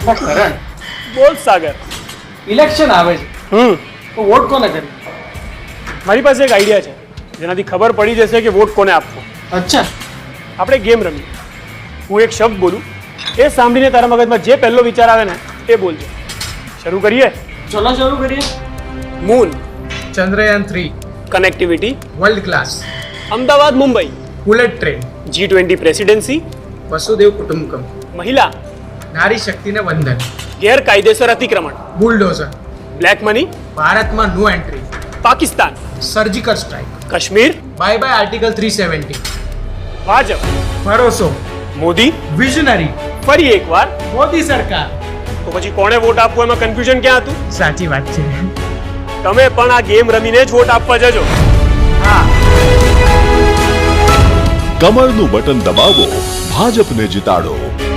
કરણ, બોલ સાગર. ઇલેક્શન આવે છે તો વોટ કોને કરી? મારી પાસે એક આઈડિયા છે જેનાથી ખબર પડી જશે કે વોટ કોને આપવો. અચ્છા, આપણે ગેમ રમીએ. હું એક શબ્દ બોલું, એ સાંભળીને તારા મગજમાં જે પહેલો વિચાર આવે ને એ બોલજો. શરૂ કરીએ. ચલો શરૂ કરીએ. Moon, Chandrayaan 3 connectivity, world class, Ahmedabad Mumbai, bullet train, G20 presidency, વસુદેવ કુટુંબકમ, મહિલા, નારી શક્તિને વંદન, ગેરકાયદેસર અતિક્રમણ, બુલડોઝર, બ્લેક મની, ભારતમાં no entry, Pakistan, surgical strike, Kashmir, bye bye article 370, Bhajap, ભરોસો, મોદી, વિઝનરી, ફરી એકવાર. મોદી સરકાર. તો પછી કોણે વોટ આપવો એમાં કન્ફ્યુઝન ક્યાં હતું? સાચી વાત છે. તમે પણ આ ગેમ રમીને જ વોટ આપવા જજો. હા. કમળનું બટન દબાવો, ભાજપને જીતાડો.